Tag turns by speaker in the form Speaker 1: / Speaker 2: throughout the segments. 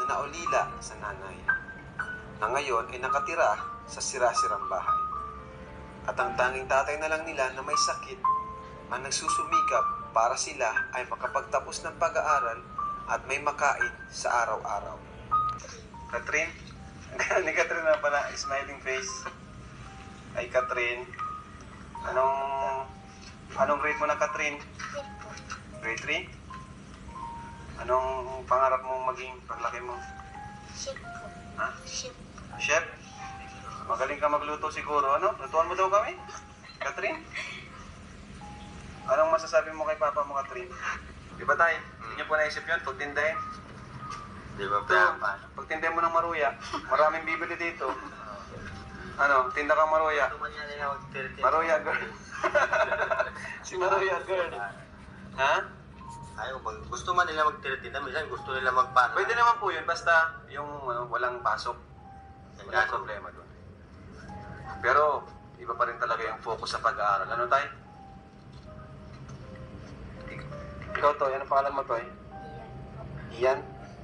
Speaker 1: na naulila sa nanay, na ngayon ay nakatira sa sira-sirang bahay. At ang tanging tatay na lang nila na may sakit ang nagsusumikap para sila ay makapagtapos ng pag-aaral at may makain sa araw-araw. Catherine? Ni Catherine na pala, smiling face. Ay, Catherine. Anong grade mo na, Catherine? Grade 3? Anong pangarap mong maging paglaki mo?
Speaker 2: Chef po.
Speaker 1: Ha?
Speaker 2: Chef.
Speaker 1: Chef? Magaling ka magluto siguro, ano? Lutuan mo daw kami? Catherine? Anong masasabi mo kay Papa mo, Catherine? Di ba tayo? Hindi niyo po naisip yun? Pagtindahin?
Speaker 3: Di ba
Speaker 1: Ito, pagtindahin mo ng maruya, maraming bibili dito. Ano, tinda kang maruya. Maruya girl. Si Maruya girl. Ha?
Speaker 3: Ayaw, gusto man nila magtira-tinda, minsan gusto nila magpasok.
Speaker 1: Pwede naman po yun, basta yung walang pasok. Walang problema doon. Pero, iba pa rin talaga yung focus sa pag-aaral. Ano tayo? Ikaw to, anong pangalan mo to? Ian?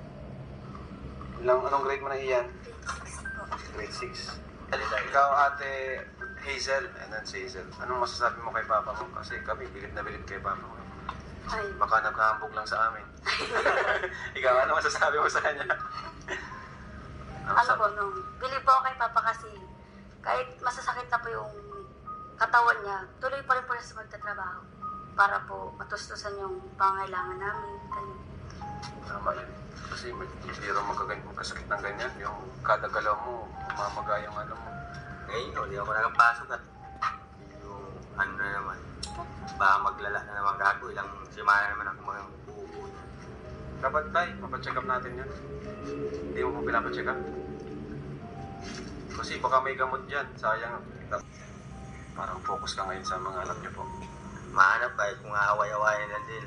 Speaker 1: Anong grade mo na Ian? Grade 6. Ikaw ate Hazel, and then si Hazel. Anong masasabi mo kay Papa mo? Kasi kami, bilib na bilib kay Papa mo.
Speaker 2: Ay,
Speaker 1: Baka nagkahambog lang sa amin. Ikaw, ano masasabi mo sa kanya?
Speaker 2: ano po, nung believe po ako kay Papa kasi kahit masasakit na po yung katawan niya, tuloy pa rin po siya sa magtatrabaho para po matustusan yung pangailangan namin. Ganun.
Speaker 1: Tama yun. Kasi biro magkasakit ng ganyan. Yung kada galaw mo, umamaga yung ano mo.
Speaker 3: Ngayon, hindi ako nakapasok at yung ano na naman, baka maglala na naman gago, ilang simana naman ako mga buo.
Speaker 1: Dapat tayo, mapacheck up natin yun. Hindi mo po pinapacheck up. Kasi baka may gamot dyan, sayang. Parang focus ka ngayon sa mga anak niyo po.
Speaker 3: Mahanap kahit kung aaway-awayan na din.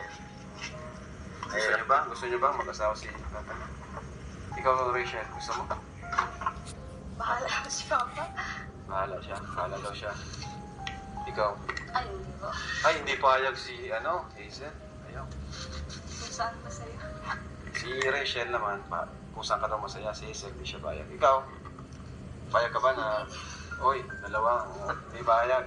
Speaker 1: Gusto niyo ba mag-asawa si Papa? Ikaw, Rachel, gusto mo?
Speaker 2: Bahala ko si Papa.
Speaker 1: Bahala siya, bahala daw siya. Ikaw?
Speaker 2: Ay, hindi po.
Speaker 1: Ay, hindi payag si, Hazel. Ayaw.
Speaker 2: Kung saan masaya.
Speaker 1: Si Rachel naman, kung saan ka daw masaya, si Hazel, hindi siya bayag. Ikaw, bayag ka ba na, dalawa, hindi bayag.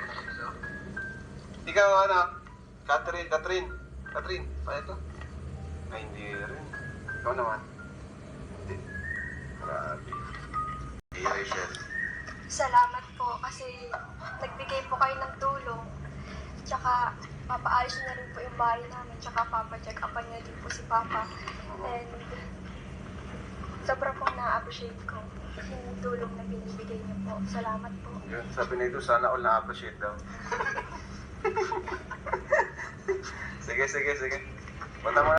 Speaker 1: Ikaw, Catherine, bayag ka? Ay, hindi rin. Ikaw naman. Hindi. Grabe. Si Rachel.
Speaker 4: Salamat po kasi nagbigay po kayo ng tulong. Tsaka papaayos na rin po yung bahay namin. Tsaka papacheck upan niya din po si Papa. And sobra pong na-appreciate ko yung tulong na binibigay niyo po. Salamat po.
Speaker 1: Yun, sabi na ito, sana all na-appreciate daw. Sige. Punta mo